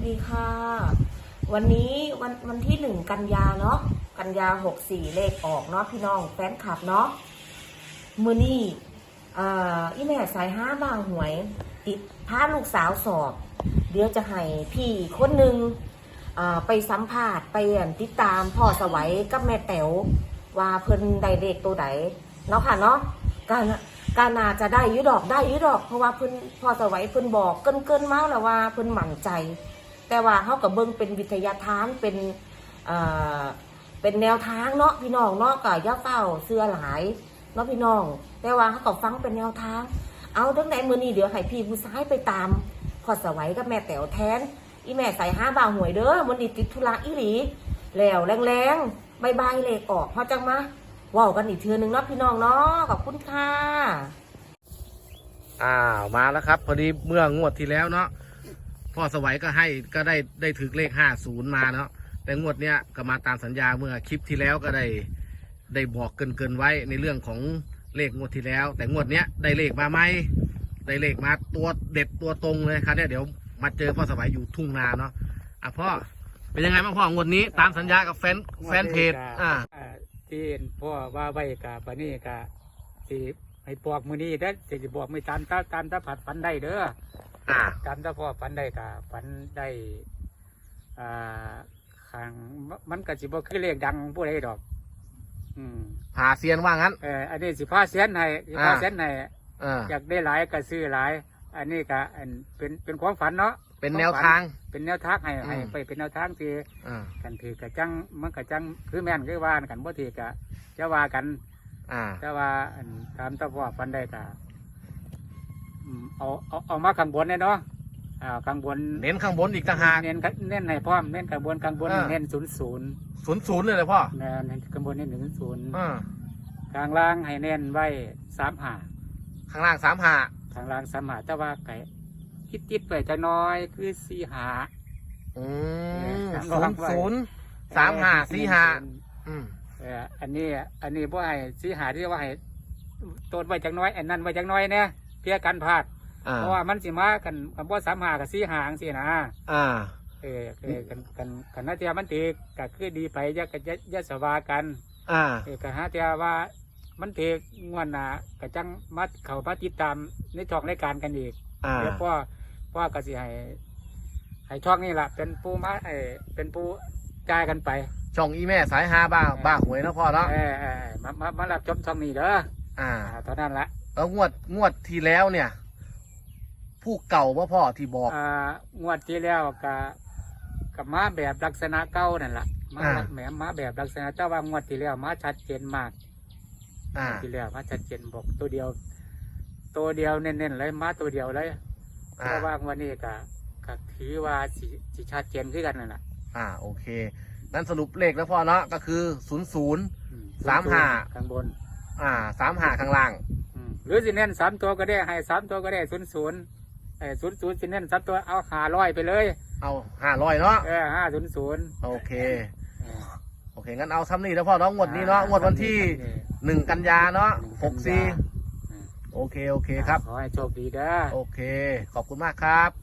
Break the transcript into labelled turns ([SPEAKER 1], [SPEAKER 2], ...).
[SPEAKER 1] ดีค่ะวันนี้วันที่1 กันยาเนาะกันยา64เลขออกเนาะพี่น้องแฟนคลับเนาะมือนี่อีแม่สาย5บางหวยติดพาลูกสาวสอบเดี๋ยวจะให้พี่คนหนึ่งไปสัมภาษณ์ไปติดตามพ่อสวัยกับแม่แต๋วว่าเพิ่นได้เลขตัวไหนเนาะค่ะเนาะการน่าจะได้ยุดอกเพราะว่าเพิ่นพ่อสวัยเพิ่นบอกเกินมาแล้วว่าเพิ่นหมั่นใจแต่ว่าเขากับเบิ่งเป็นวิทยาทานเป็นแนวทางเนาะพี่น้องเนาะกับย่าเฝ้าเสื้อหลายเนาะพี่น้องแต่ว่าเขาก็ฟังเป็นแนวทางเอาตั้งแต่มื้อนี้เดี๋ยวให้พี่ผู้ชายไปตามพ่อสวัยกับแม่แต๋วแทนอีแม่ใส่5 บาทหวยเด้อวันนี้ติดธุระอีหลีแล้วแรงๆบายเลขออกพอจังมาว้าวกันอีกเทื่อนึงเนาะพี่น้องเนาะขอบคุณค่ะ
[SPEAKER 2] มาแล้วครับพอดีเมื่องวดที่แล้วเนาะพ่อสวัยก็ได้ถือเลข50มาเนาะแต่งวดเนี้ยก็มาตามสัญญาเมื่อคลิปที่แล้วก็ได้บอกเกินไว้ในเรื่องของเลขงวดที่แล้วแต่งวดเนี้ยได้เลขมาไหมได้เลขมาตัวเด็ดตัวตรงเลยครับเนี่ยเดี๋ยวมาเจอพ่อสวัยอยู่ทุ่งนาเนาะพ่อเป็นยังไงบ้างพ่องวดนี้ตามสัญญากับแฟนเพจ
[SPEAKER 3] ที่พ่อว่าไว้กับปนี่กับที่ให้บอกมือนี้ได้จะบอกไม่ตามถ้าผัดฝันได้เด้อตามถ้าพ่อฝันได้กับฝันได้ขังมันก็สิบ่คือเลขดังผู้ใดดอก
[SPEAKER 2] พาเซียนว่างั้น
[SPEAKER 3] อันนี้สิพาเซียนให้อยากได้หลายก็ซื้อหลายอันนี้ก็เป็นความฝันเนาะ
[SPEAKER 2] เป็นแนวทาง
[SPEAKER 3] ให้ไปเป็นแนวทางที่กันถือกระจังมันกระจังคือแม่นคือว่ากันบ่ถือกะจะว่ากันแต่ว่าตามตะพ่อฟันได้ก็เอามาข้างบนเนาะข้างบน
[SPEAKER 2] เน้นข้างบนอีกต่างหาก
[SPEAKER 3] เน้นให้พร้อมเน้นข้างบนเน้น
[SPEAKER 2] 00เลยพ่อ
[SPEAKER 3] เน้นข้างบนเน้น00ข้างล่างให้เน้นไว้35
[SPEAKER 2] ข้างล่าง35
[SPEAKER 3] ข้างล่าง35แต่ว่าไก่ติดไปจะน้อยคือ45 อันนี้บ่ให้45ที่ว่าให้ต้นไว้จังน้อยอันนั้นไว้จังน้อยเนี่ยเพื่อกันพลาดเพราะว่ามันสิมากันบ่35กับ45จังซี่นะกันน่าจะมันตีก็คือดีไปยะสวากันก็หาแต่ว่ามันตีงวนน่ะก็จังมัดเข้ามาติดตามในช่องรายการกันอีกเดี๋ยวพ่อก็สิให้ช่องนี้ล่ะเป็นผู้จ่ายกันไป
[SPEAKER 2] ช่องอีแม่สาย5บ้าหวยนะพ่อเนาะ
[SPEAKER 3] มารับชมช่องนี้เด้อตอนนั้นละ
[SPEAKER 2] แล้วงวดที่แล้วเนี่ยผู้เก่าว่าพ่อที่บอก
[SPEAKER 3] งวดที่แล้วกับมาแบบลักษณะเก่านั่นแหละมาแบบลักษณะแต่ว่างวดที่แล้วมาชัดเจนมากที่แล้วมาชัดเจนบอกตัวเดียวเน้นๆเลยมาตัวเดียวเลยเพราะว่าวันนี้ก็ถือว่าสิชัดเจนขึ้นกันนั่นแหละ
[SPEAKER 2] โอเคนั้นสรุปเลขแล้วพ่อเนาะก็คือ0035
[SPEAKER 3] ข้างบน
[SPEAKER 2] 35ข้างล่าง
[SPEAKER 3] หรือสิเน้น3 ตัวก็ได้ให้3 ตัวก็ได้00สิเน้น3 ตัวเอา500ไปเลย
[SPEAKER 2] เอา500เนาะ
[SPEAKER 3] 500
[SPEAKER 2] โอเคงั้นเอาซ้ำนี่แล้วพ่อเนาะงวดนี้เนาะงวดวันที่1 กันยาเนาะ64โอเคครับ
[SPEAKER 3] ขอให้โชคดีเด้อ
[SPEAKER 2] โอเคขอบคุณมากครับ